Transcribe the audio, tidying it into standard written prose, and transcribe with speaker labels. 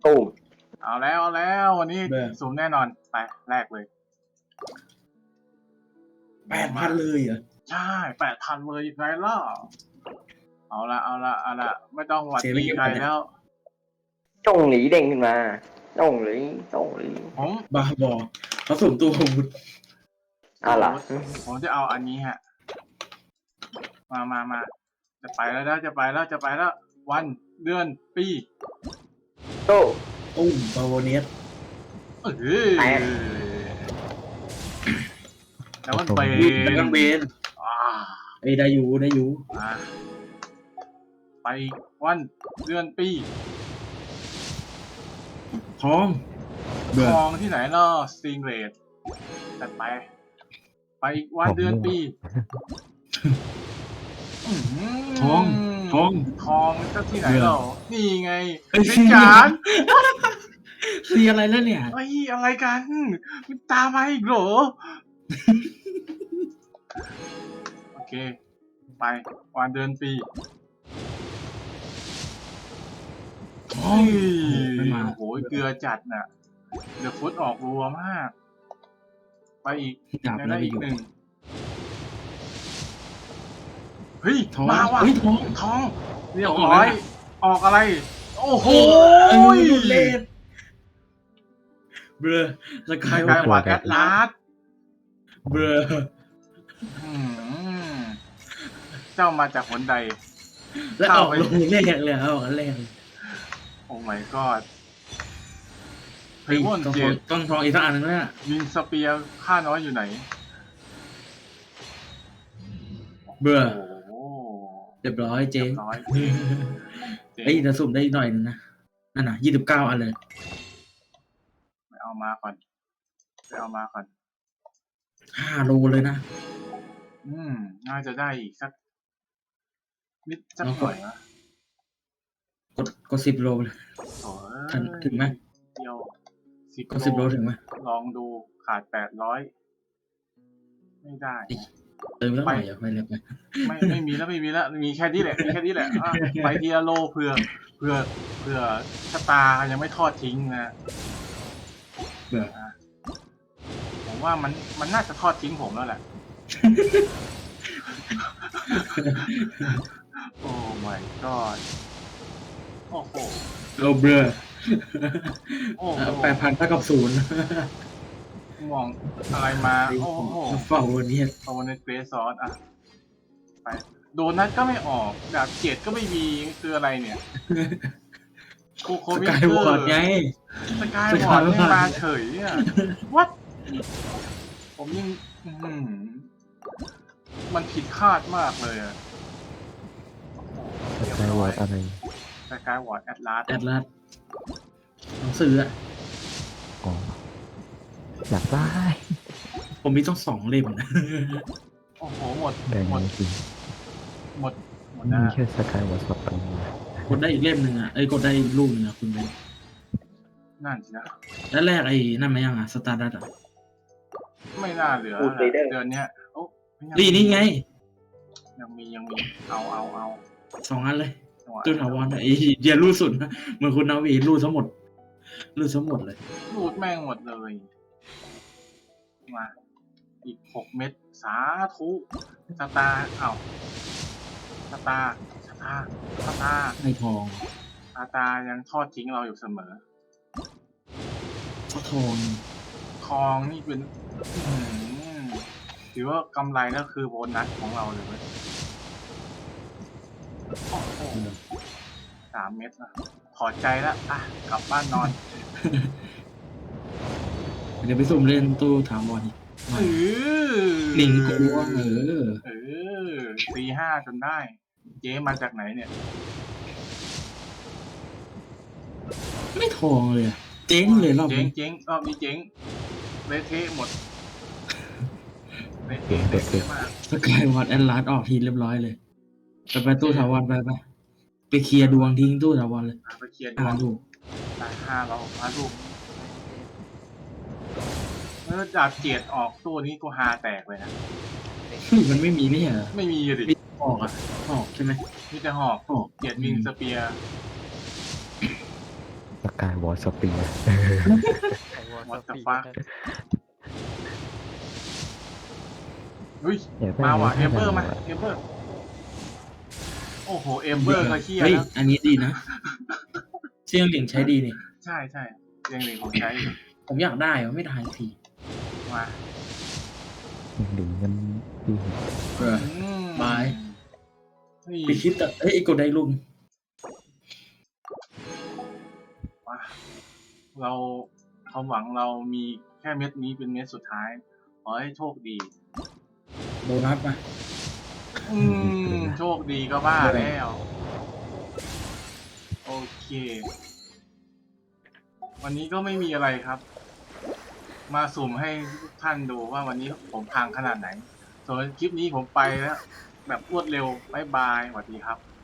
Speaker 1: ตู้ม
Speaker 2: เอาแล้ววันนี้สุ่มแน่นอนไปแรกเลย
Speaker 3: 8,000เลยเหรอ
Speaker 2: ใช่8,000เลยไงล่ะเอาละไม่ต้องหวัดดีใครแล้ว
Speaker 1: จ้องหลีเด้งขึ้นมาจ้องหลี
Speaker 2: ผม
Speaker 3: บ้าบอเขาสุ่มตัวอาวุธ
Speaker 1: อะไรล่ะ
Speaker 2: ผมจะเอาอันนี้ฮะมาจะไปแล้ววันเดือนปี
Speaker 1: โต้
Speaker 3: ตุ้มบาโวเนียส
Speaker 2: แตกแล้วมันไป
Speaker 3: ดักกันเบนไอ้ได้อยู่
Speaker 2: ไปวันเดือนปี
Speaker 3: ทองเบื่อ
Speaker 2: ทองที่ไหนเนาะสติงเรดจัดไปอีกวันเดือนปี
Speaker 3: ทอง
Speaker 2: ทองก็ที่ไหนเรานี่ไง
Speaker 3: เฮ้ย
Speaker 2: เป็นจาน
Speaker 3: สีอะไรแล้วเนี่ย
Speaker 2: ไอ้อะไรกันมันตามมาอีกเหรอ โอเค ไปวันเดือนปี
Speaker 3: ทอง ไม่มา
Speaker 2: โอ้โหเกลือจัดน่ะเดี๋ยวฟุตออกรัวมาก ไปอีก
Speaker 3: ดาบ
Speaker 2: ได้
Speaker 3: แล้วไป
Speaker 2: อี
Speaker 3: อก ยู่
Speaker 2: หนึ่งเฮ้ย
Speaker 3: ทอง
Speaker 2: มาว่ะ
Speaker 3: เฮ้ยทอง
Speaker 2: เรียบร้อย ออกอะไร โอ้โห
Speaker 3: เลดเบลอสกาย
Speaker 2: กายหวาดแอดลาส
Speaker 3: เบลอ
Speaker 2: เจ้ามาจากหนใด
Speaker 3: แล้วออกลงแรกเลยออกอันแรกเลย
Speaker 2: โอ้ my god เฮ้ยว่น
Speaker 3: ต้อง
Speaker 2: เจด
Speaker 3: ต้องทองอีกสักอันนึงแล้ว
Speaker 2: ยิงสเปียร์ข้าน้อยอยู่ไหน
Speaker 3: เบื่อ
Speaker 2: โอ้โห
Speaker 3: เรียบร้อยเจ๊ง
Speaker 2: น้อย
Speaker 3: เฮ้ยจะสุ่มได้หน่อยนึงนะนั่นน่ะ29 อันเลย
Speaker 2: ไปเอามาก่อน
Speaker 3: 5 โลเลยนะ
Speaker 2: น่าจะได้อีกสักนิดสักหน่อยนะ
Speaker 3: กด10 โลเลย
Speaker 2: โอ้ย
Speaker 3: ถึงไหม
Speaker 2: เดียว
Speaker 3: กด10 โลถึงไหม
Speaker 2: ลองดูขาด800ไม่ได้
Speaker 3: เติมแล้วหน่อยอย่าไปเร็วไป
Speaker 2: ไม่มีแล้วมีแค่นี้แหละอ่ะไปทีละโลเผื่อชะตายังไม่ทอดทิ้งนะ
Speaker 3: เบื่อ
Speaker 2: ผมว่ามันน่าจะทอดทิ้งผมแล้วแหละ โอ้ my god โอ้โห
Speaker 3: เราเบื่อ
Speaker 2: โอ้โห
Speaker 3: 8,000เท่ากับ0
Speaker 2: มองอะไรมา โอ้โห
Speaker 3: เฝ้าวันนี้
Speaker 2: โดนในเกรซอสอ่ะไปโดนัทก็ไม่ออกดาบเกียรติก็ไม่มีคืออะไรเนี่ยโค
Speaker 3: ส
Speaker 2: วิ
Speaker 3: กายวอร์ดไง
Speaker 2: สกายวอร์ดไม่มาเฉยอ่ะ what ผมยังมันผิดคาดมากเลยอ่ะ
Speaker 4: สกายวอร์ดอะไร
Speaker 2: สกายวอร์ดแอดลาส
Speaker 3: แอดลาสหนังสืออะ
Speaker 4: อ๋ออยากได้
Speaker 3: ผมมีต้อง2 เล่มนะ
Speaker 2: โอ้โหหมด
Speaker 4: แบ่ง
Speaker 2: หมด
Speaker 4: จริง
Speaker 2: หมด
Speaker 4: มี
Speaker 2: นะ
Speaker 4: แค่สกายวอร์ดสองอัน
Speaker 3: กดได้อีกเล่มหนึ่งอ่ะกดได้อีกรูปหนึงอ่ะคุณเบน
Speaker 2: นั่นสินะ
Speaker 3: แล้วแรกไอ้นั่นมายังอ่ะสตาร์ดัตอ่ะ
Speaker 2: ไม่น่าเหลือเดือนเนี้ยโอ้
Speaker 3: นี่ไง
Speaker 2: ยังมีเอา
Speaker 3: 2 อันเลย
Speaker 2: จังหวะ
Speaker 3: ตู้ถาวรไอ้เดียรูดสุดนะเหมือนคุณนาวีรูดทั้งหมดเลย
Speaker 2: รูดแม่งหมดเลย มาอีก6 เม็ดสาธุสตาร์สตาร์
Speaker 3: ให้ทอง
Speaker 2: สตาร์ยังทอดทิ้งเราอยู่เสมอ
Speaker 3: ก็ทอง
Speaker 2: ทองนี่เป็นถือว่ากำไรแล้วคือโบนัสของเราเลยเว้ยโอ้โห3 เม็ดนะถอดใจแล้วอ่ะกลับบ้านนอน
Speaker 3: เดี๋ยวไปสุ่มเล่นตู้ถาวรอีก หนิงกลัว
Speaker 2: 4-5จนได้ เจ๊มาจากไหนเนี่ย
Speaker 3: ไม่ทองเลยอะเจ๊งเลยรอบนี้
Speaker 2: เจ๊งรอบนี้เจ๊งเละเทะหมดเละเทะมาก
Speaker 3: สกายวอร์ดแอนลาสออกทีเรียบร้อยเลยไปตู้ถาวรไปเคลียร์ดวงทิ้งตู้ถาวรเลย
Speaker 2: ไปเคลียร์
Speaker 3: ดู
Speaker 2: 5 เราลูกดาบเจียดออกตัวนี้กูฮาแตกเลยนะ
Speaker 3: มันไม่มีนี่เหรอ
Speaker 2: ไม่มีดิ
Speaker 3: ออกใช่ไหม
Speaker 2: มีแต่หอกเจียดวิงสเปียร์
Speaker 4: สกายวอลสเปียร์
Speaker 2: What the fuck เฮ้ย
Speaker 4: อยากได้
Speaker 2: มาว่ะ
Speaker 4: ไห
Speaker 2: เอมเบอร์มา
Speaker 4: ถ้า
Speaker 2: เอมเบอร์ โอ้โห เอมเบอร์ก็เฮีย
Speaker 3: เฮ้ย
Speaker 2: แล้ว
Speaker 3: อันนี้ดีนะเชียงหลิงใช้ดีนี่
Speaker 2: ใช่ใช่เรียงหนึ่งของใช้อยู่
Speaker 3: ผมอยากได้อะไม่ได้ที
Speaker 2: มา
Speaker 4: หลิงมันดี
Speaker 3: เออ บาย
Speaker 2: นี่
Speaker 3: ไปคิดแต่เอ้ยไอ้กดได้ลุง
Speaker 2: มาเราความหวังเรามีแค่เม็ดนี้เป็นเม็ดสุดท้าย ขอให้โชคดี
Speaker 3: โบนัสมา
Speaker 2: โชคดีก็บ้าแล้ว โอเค วันนี้ก็ไม่มีอะไรครับ มาสุ่มให้ทุกท่านดูว่าวันนี้ผมพังขนาดไหน ส่วนคลิปนี้ผมไปแล้ว แบบรวดเร็ว บ๊ายบาย สวัสดีครับ